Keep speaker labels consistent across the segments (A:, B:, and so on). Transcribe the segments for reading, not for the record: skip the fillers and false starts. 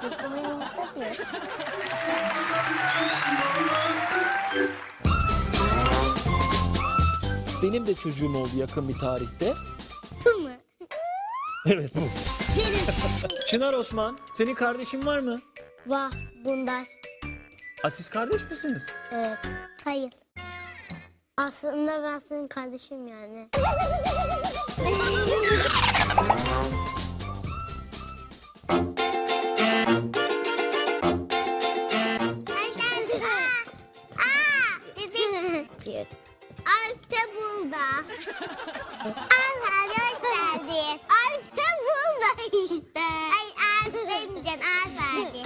A: Kuşkumu yumurta diyor.
B: Benim de çocuğum oldu yakın bir tarihte.
A: Bu mu?
B: Evet bu. Çınar Osman, senin kardeşin var mı?
A: Vah bunlar.
B: Siz kardeş misiniz?
A: Evet. Hayır. Aslında ben senin kardeşim yani. Alp de burada. Alp hoş geldin. Alp de burada işte. Ay Alp demeyeceksin Alp hadi.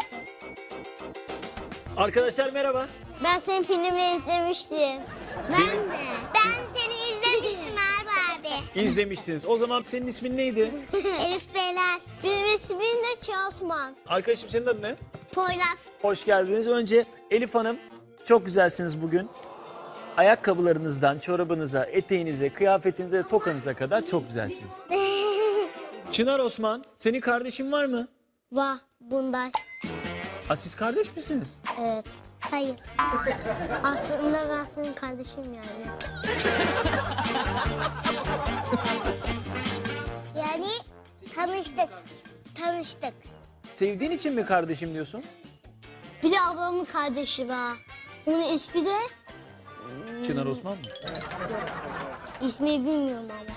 B: Arkadaşlar merhaba.
A: Ben senin filmini izlemiştim. Ben de. Ben seni izlemiştim Alp abi.
B: İzlemiştiniz. O zaman senin ismin neydi?
A: Elif Beyler. Benim ismim de Çağosman.
B: Arkadaşım senin adın ne?
A: Poyraz.
B: Hoş geldiniz. Önce Elif Hanım, çok güzelsiniz bugün. Ayakkabılarınızdan çorabınıza, eteğinize, kıyafetinize, tokanıza kadar çok güzelsiniz. Çınar Osman, senin kardeşin var mı?
A: Vah bunlar.
B: Siz kardeş misiniz?
A: Evet. Hayır. Aslında ben senin kardeşim yani. Yani tanıştık.
B: Sevdiğin için mi kardeşim diyorsun?
A: Bir de ablamın kardeşi var. Onun ismi de
B: Çınar Osman mı?
A: ismini bilmiyorum ama.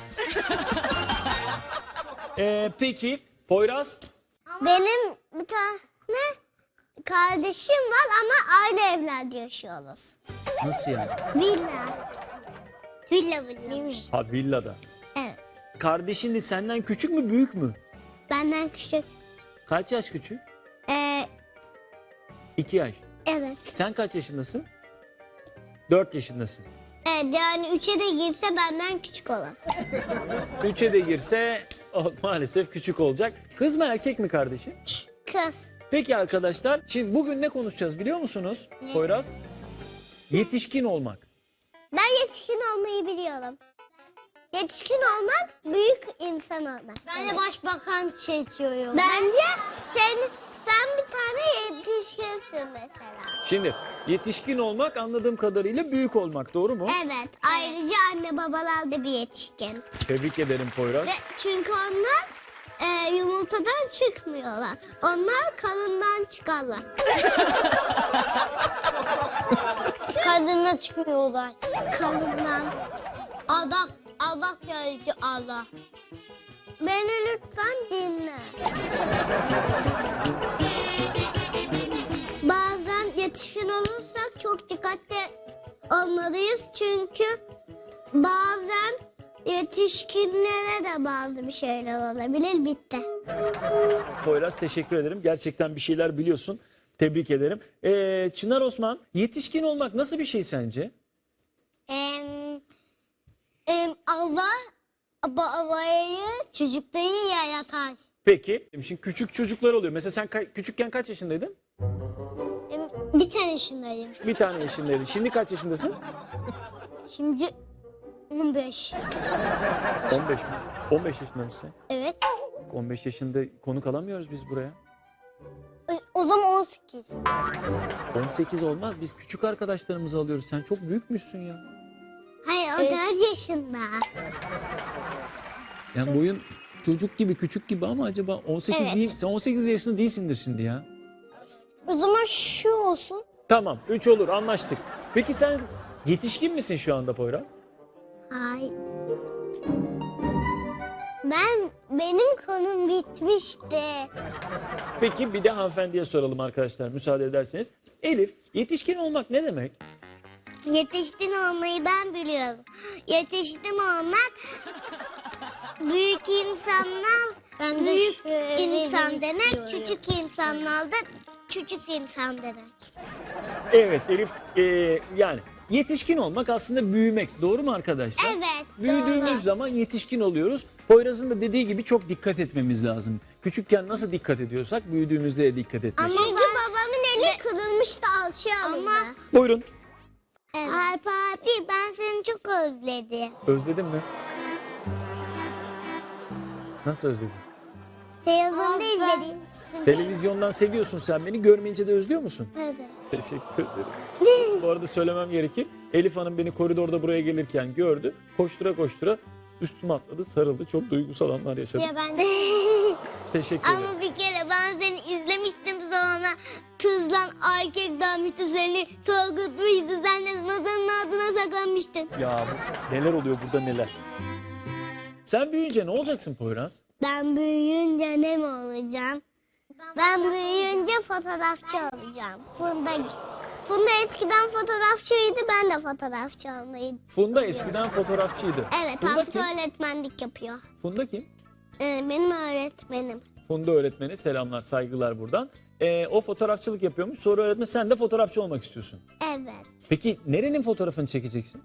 B: Peki, Poyraz?
A: Benim bir tane kardeşim var ama aynı evlerde yaşıyoruz.
B: Nasıl yani?
A: Villa. Villa.
B: Ha, villada.
A: Evet.
B: Kardeşin de senden küçük mü, büyük mü?
A: Benden küçük.
B: Kaç yaş küçük?
A: Ee,
B: 2 yaş.
A: evet.
B: Sen kaç yaşındasın? 4 yaşındasın.
A: Evet yani 3'e de girse benden küçük olur.
B: 3'e de girse maalesef küçük olacak. Kız mı erkek mi kardeşin?
A: Kız.
B: Peki arkadaşlar, şimdi bugün ne konuşacağız biliyor musunuz? Poyraz? Yetişkin olmak.
A: Ben yetişkin olmayı biliyorum. Yetişkin olmak büyük insan olmak. Ben de başbakan seçiyorum. Bence sen bir tane yetişkinsin mesela.
B: Şimdi yetişkin olmak anladığım kadarıyla büyük olmak, doğru mu?
A: Evet. Ayrıca anne babalar da bir yetişkin.
B: Tebrik ederim Poyraz.
A: Çünkü onlar yumurtadan çıkmıyorlar. Onlar kalından çıkarlar. Kadından çıkmıyorlar. Kalından. Allah geldi Allah. Beni lütfen dinle. Bazen yetişkin olursak çok dikkatli olmalıyız. Çünkü bazen yetişkinlere de bazı bir şeyler olabilir. Bitti.
B: Poyraz, teşekkür ederim. Gerçekten bir şeyler biliyorsun. Tebrik ederim. Çınar Osman, yetişkin olmak nasıl bir şey sence?
A: Allah babayı çocukları yaratar.
B: Peki, şimdi küçük çocuklar oluyor. Mesela sen küçükken kaç yaşındaydın?
A: Bir tane yaşındayım.
B: Bir tane yaşındaydın. Şimdi kaç yaşındasın?
A: Şimdi 15.
B: 15 mi? 15 yaşında mısın?
A: Evet.
B: 15 yaşında konuk alamıyoruz biz buraya.
A: O zaman 18.
B: 18 olmaz. Biz küçük arkadaşlarımızı alıyoruz. Sen çok büyükmüşsün ya.
A: Hayır o 4 yaşında.
B: Yani boyun çocuk gibi, küçük gibi ama acaba 18
A: Evet.
B: değil, sen 18 yaşında değilsindir şimdi ya.
A: O zaman şu olsun.
B: Tamam, 3 olur, anlaştık. Peki sen yetişkin misin şu anda Poyraz?
A: Hayır. Benim konum bitmişti.
B: Peki bir de hanımefendiye soralım arkadaşlar, müsaade ederseniz. Elif, yetişkin olmak ne demek?
A: Yetişkin olmayı ben biliyorum. Yetişkin olmak büyük insanlar büyük insan demek, küçük insanlar da küçük insan demek.
B: Evet Elif, yani yetişkin olmak aslında büyümek, doğru mu arkadaşlar?
A: Evet,
B: Büyüdüğümüz
A: doğru.
B: zaman yetişkin oluyoruz. Poyraz'ın da dediği gibi çok dikkat etmemiz lazım. Küçükken nasıl dikkat ediyorsak büyüdüğümüzde de dikkat etmek.
A: Çünkü babamın eli kırılmıştı alçıya alındı.
B: Buyurun.
A: Alp abi ben seni çok özledim.
B: Özledin mi? Nasıl özledin?
A: Televizyonda izledim.
B: Televizyondan seviyorsun sen beni. Görmeyince de özlüyor musun?
A: Evet.
B: Teşekkür ederim. Bu arada söylemem gerekir. Elif Hanım beni koridorda buraya gelirken gördü. Koştura koştura üstüme atladı, sarıldı. Çok duygusal anlar yaşadım.
A: Ya ben de.
B: Teşekkür ederim.
A: Ama bir kere ben seni izlemiştim sonra kızla erkek dalmıştı seni korkutmuştu. Sen de masanın altına saklanmıştın.
B: Ya neler oluyor burada neler. Sen büyüyünce ne olacaksın Poyraz?
A: Ben büyüyünce ne mi olacağım? Ben büyüyünce fotoğrafçı olacağım. Funda eskiden fotoğrafçıydı, ben de fotoğrafçı olmayı.
B: Funda eskiden fotoğrafçıydı.
A: Evet,
B: Funda
A: artık
B: kim?
A: öğretmenlik yapıyor.
B: Funda kim?
A: Benim öğretmenim.
B: Funda öğretmeni, selamlar, saygılar buradan. O fotoğrafçılık yapıyormuş. Sonra öğretmen sen de fotoğrafçı olmak istiyorsun.
A: Evet.
B: Peki nerenin fotoğrafını çekeceksin?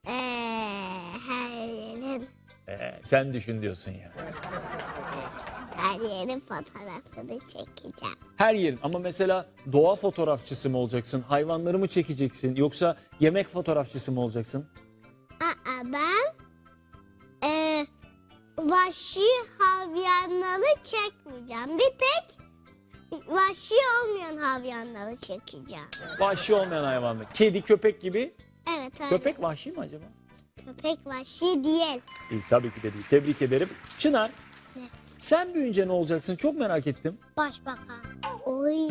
A: Her yerin,
B: Sen düşün diyorsun ya.
A: her yerin fotoğrafını çekeceğim.
B: Her yerin ama mesela doğa fotoğrafçısı mı olacaksın? Hayvanları mı çekeceksin? Yoksa yemek fotoğrafçısı mı olacaksın?
A: Ben vahşi havyanları çekmeyeceğim. Bir tek vahşi olmayan havyanları çekeceğim.
B: Vahşi olmayan hayvanlar. Kedi, köpek gibi.
A: Evet, evet.
B: Köpek vahşi mi acaba?
A: Köpek vahşi değil.
B: İyi, tabii ki de değil. Tebrik ederim. Çınar,
A: Ne?
B: sen büyüyünce ne olacaksın? Çok merak ettim.
A: Başbakan. Oy.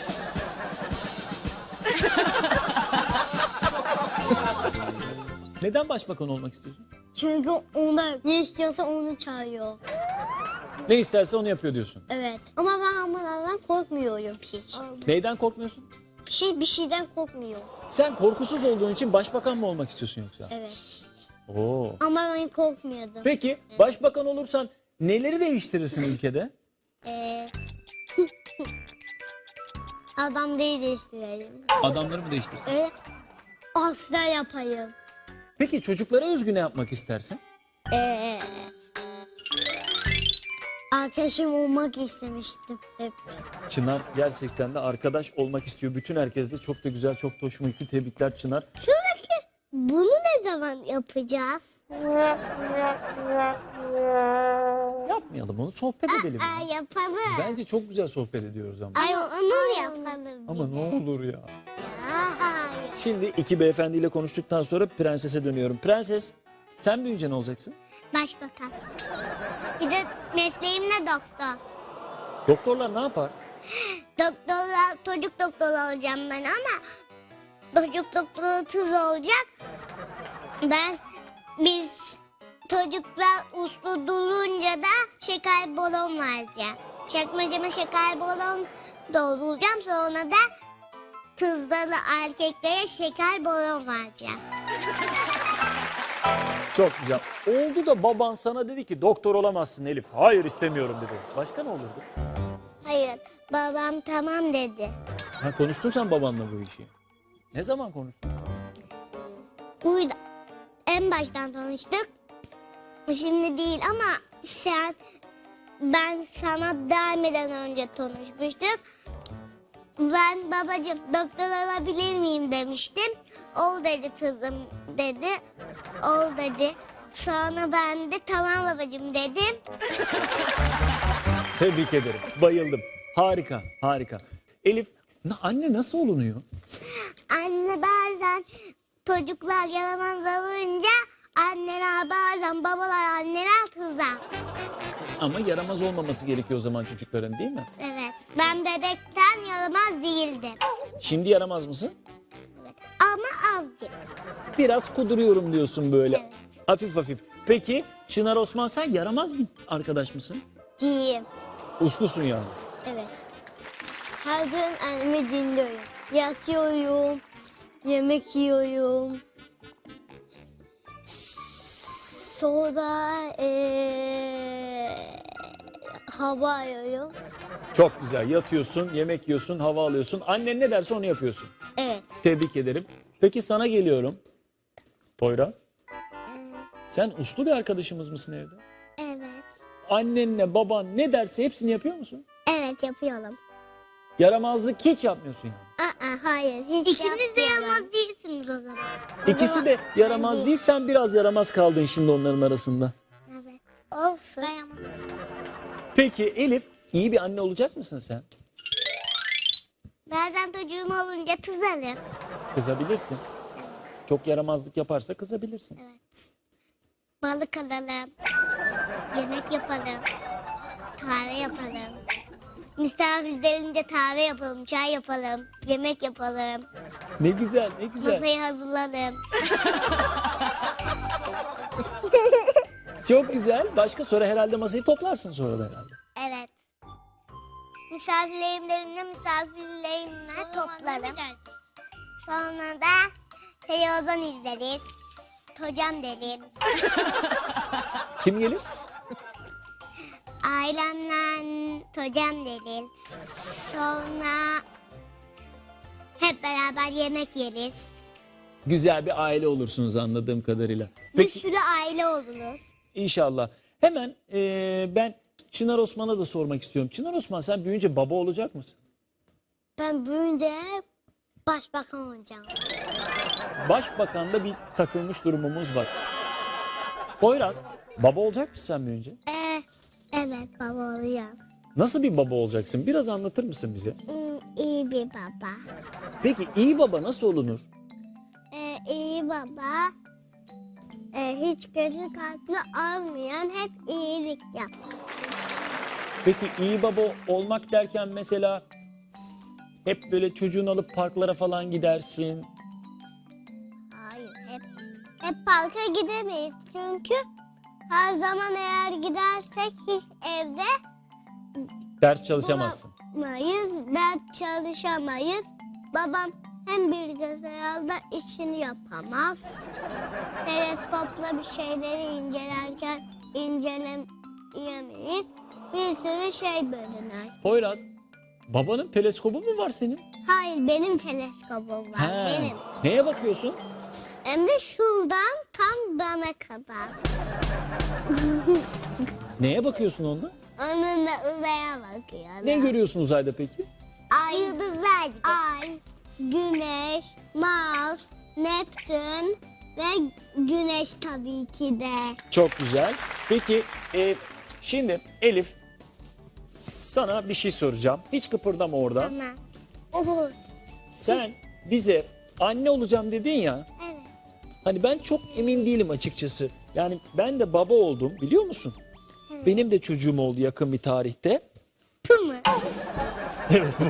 B: Neden başbakan olmak istiyorsun?
A: Çünkü onlar ne istiyorsa onu çağırıyor.
B: Ne isterse onu yapıyor diyorsun.
A: Evet. Ama ben bunlardan korkmuyorum hiç.
B: Neyden korkmuyorsun?
A: Bir şeyden korkmuyor.
B: Sen korkusuz olduğun için başbakan mı olmak istiyorsun yoksa?
A: Evet.
B: Oo.
A: Ama ben korkmuyordum.
B: Peki başbakan olursan neleri değiştirirsin ülkede?
A: Ee, adam değil istiyorum.
B: Adamları mı değiştirsin?
A: Asla yapayım.
B: Peki çocuklara özgü ne yapmak istersin?
A: Arkadaşım olmak istemiştim hep.
B: Çınar gerçekten de arkadaş olmak istiyor. Bütün herkes de çok da güzel, çok da hoşuma gitti. Tebrikler Çınar.
A: Şuradaki bunu ne zaman yapacağız?
B: Yapmayalım onu, sohbet edelim. ya.
A: Yapalım.
B: Bence çok güzel sohbet ediyoruz ama.
A: Ay onu yapalım.
B: Ama ne olur ya.
A: Hayır.
B: Şimdi iki beyefendiyle konuştuktan sonra prensese dönüyorum. Prenses, sen büyüyünce ne olacaksın?
A: Başbakan. Bir de mesleğim ne doktor.
B: Doktorlar ne yapar?
A: Doktorlar, çocuk doktoru olacağım ben ama çocuk doktoru kız olacak. Biz çocuklar uslu durunca da şeker balon vereceğim. Çekmeceme şeker balon dolduracağım, sonra da kızlara erkeklere şeker balon vereceğim.
B: Çok güzel. Oldu da baban sana dedi ki doktor olamazsın Elif. Hayır istemiyorum dedi. Başka ne olurdu?
A: Hayır, babam tamam dedi.
B: Ha, konuştun sen babanla bu işi. Ne zaman konuştun?
A: Burada en baştan tanıştık. Şimdi değil ama ben sana gelmeden önce tanışmıştık. Ben babacığım doktor olabilir miyim demiştim. Ol dedi kızım dedi. Ol dedi. Sonra ben de tamam babacığım dedim.
B: Tebrik ederim. Bayıldım. Harika, harika. Elif, anne nasıl olunuyor?
A: Anne bazen çocuklar yaramaz olunca anneler bazen babalar anneler kızar.
B: Ama yaramaz olmaması gerekiyor o zaman çocukların, değil mi?
A: Evet. Ben bebekten yaramaz değildim.
B: Şimdi yaramaz mısın?
A: Evet. Ama azıcık.
B: Biraz kuduruyorum diyorsun böyle.
A: Evet.
B: Hafif hafif. Peki Çınar Osman, sen yaramaz bir arkadaş mısın?
A: Diyeyim.
B: Uslusun yani.
A: Evet. Her gün annemi dinliyorum. Yatıyorum. Yemek yiyorum. Sonra hava alıyorum.
B: Çok güzel. Yatıyorsun, yemek yiyorsun, hava alıyorsun. Annen ne derse onu yapıyorsun.
A: Evet.
B: Tebrik ederim. Peki sana geliyorum. Poyraz. Sen uslu bir arkadaşımız mısın evde?
A: Evet.
B: Annenle baban ne derse hepsini yapıyor musun?
A: Evet yapıyorum.
B: Yaramazlık hiç yapmıyorsun yani.
A: Hayır. Hiç İkiniz de yaramaz değilsiniz o zaman.
B: İkisi de yaramaz değil, sen biraz yaramaz kaldın şimdi onların arasında.
A: Evet. Olsun. Ben yaramaz.
B: Peki Elif, iyi bir anne olacak mısın sen?
A: Bazen çocuğum olunca kızarım.
B: Kızabilirsin. Çok yaramazlık yaparsa kızabilirsin.
A: Balık alalım. Yemek yapalım. Kahve yapalım. Misafir gelince kahve yapalım, çay yapalım, yemek yapalım.
B: Ne güzel, ne güzel.
A: Masayı hazırlayalım.
B: Çok güzel. Başka sonra herhalde masayı toplarsın sonra da herhalde.
A: Evet. Misafirlerimle toplarım. Sonra da televizyon izleriz. Hocam derim.
B: Kim gelir?
A: Ailemle hocam derim. Sonra hep beraber yemek yeriz.
B: Güzel bir aile olursunuz anladığım kadarıyla.
A: Bir
B: Peki
A: sürü aile oluruz.
B: inşallah. Hemen ben Çınar Osman'a da sormak istiyorum. Çınar Osman, sen büyüyünce baba olacak mısın?
A: Ben büyüyünce başbakan olacağım.
B: Başbakan'da bir takılmış durumumuz var. Poyraz, baba olacak mısın sen büyüyünce?
A: Evet baba olacağım.
B: Nasıl bir baba olacaksın? Biraz anlatır mısın bize?
A: İyi bir baba.
B: Peki iyi baba nasıl olunur?
A: İyi baba hiç kötü kalpli olmayan, hep iyilik yap.
B: Peki iyi baba olmak derken mesela hep böyle çocuğunu alıp parklara falan gidersin.
A: Hayır, hep parka gidemeyiz çünkü her zaman eğer gidersek hiç evde
B: Ders çalışamazsın.
A: bulamayız, ders çalışamayız. Babam hem bilgisayarda işini yapamaz, teleskopla bir şeyleri incelerken inceleyemeyiz. Bir sürü şey bölünür.
B: Poyraz, babanın teleskobu mu var senin?
A: Hayır, benim teleskopum var,
B: He.
A: benim.
B: Neye bakıyorsun?
A: Hem de şuradan tam bana kadar.
B: Neye bakıyorsun onda?
A: Onunla uzaya bakıyorum.
B: Ne görüyorsun uzayda peki?
A: Ay, yıldızlar. Ay, Güneş, Mars, Neptün ve Güneş tabii ki de.
B: Çok güzel. Peki şimdi Elif, sana bir şey soracağım. Hiç kıpırdama orada.
A: Tamam.
B: Sen bize anne olacağım dedin ya.
A: Evet.
B: Hani ben çok emin değilim açıkçası. Yani ben de baba oldum, biliyor musun? Benim de çocuğum oldu yakın bir tarihte.
A: Bu mu? Evet bu.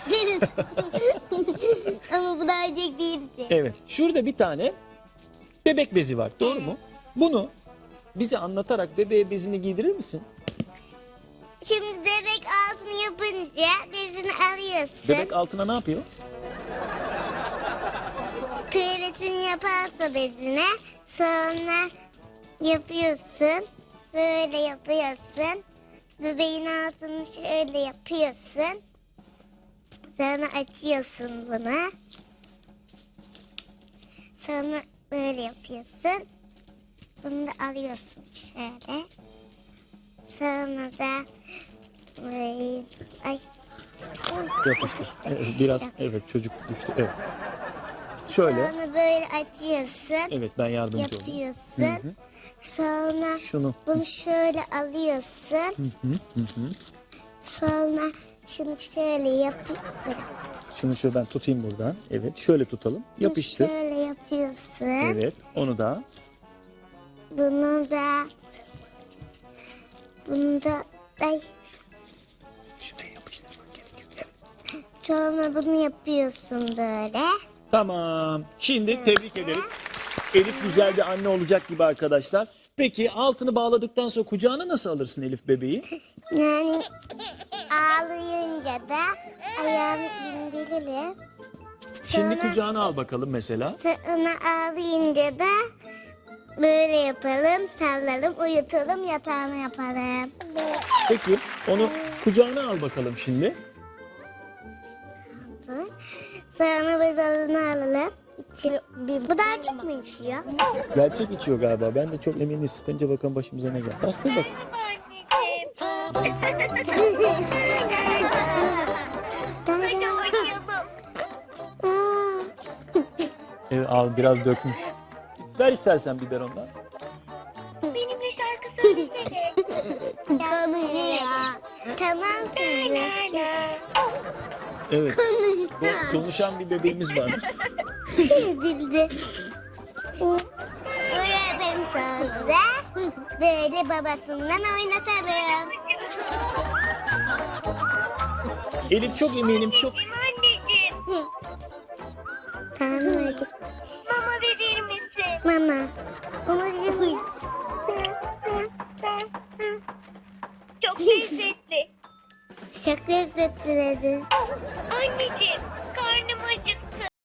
A: Ama bu da erkek değildi.
B: Evet. Şurada bir tane bebek bezi var. Doğru mu? Bunu bize anlatarak bebeğe bezini giydirir misin?
A: Şimdi bebek altını yapınca bezini alıyorsun.
B: Bebek altına ne yapıyor?
A: Tuvaletini yaparsa bezine, sonra yapıyorsun. Böyle yapıyorsun. Bebeğin altını şöyle yapıyorsun. Sonra açıyorsun bunu. Sonra böyle yapıyorsun. Bunu da alıyorsun şöyle. Sonra da ay
B: Yapıştı. Evet, biraz evet çocuk düştü. Evet. Şöyle.
A: sonra böyle açıyorsun.
B: Evet, ben yardımcı olayım.
A: Yapıyorsun. Sonra
B: Şunu.
A: bunu şöyle alıyorsun. Sonra şunu şöyle
B: Şunu şöyle ben tutayım buradan. Evet, şöyle tutalım. Yapıştı.
A: şöyle yapıyorsun.
B: Evet, onu da.
A: Bunu da ay
B: Şuraya yapıştırmak gerekiyor. Evet.
A: sonra bunu yapıyorsun böyle.
B: Tamam. Şimdi tebrik ederiz. Elif güzel bir anne olacak gibi arkadaşlar. Peki altını bağladıktan sonra kucağına nasıl alırsın Elif bebeği?
A: Yani ağlayınca da ayağını indiririm.
B: Şimdi kucağına al bakalım mesela.
A: Sonra ağlayınca da böyle yapalım, sallalım, uyutalım, yatağına yapalım.
B: Peki onu kucağına al bakalım şimdi.
A: Sonra bir balını alalım. Bu da açık mı içiyor?
B: Gerçek içiyor galiba. Ben de çok eminim, sıkınca bakalım başımıza ne geldi. Bastır bak. Evet, al biraz dökmüş. Ver istersen biberondan.
A: Benimle şarkı söylesene. Konuşuyor. Tamam kızım.
B: Evet.
A: Konuştu.
B: Konuşan bir bebeğimiz var.
A: Dildi. Böyle öperim sonra da böyle babasından oynatalım.
B: Elif çok eminim çok.
C: Anneciğim,
A: Tamam hadi.
C: mama verir misin?
A: Mama. Babacığım.
C: Çok lezzetli.
A: Çok lezzetli dedi.
C: Anneciğim,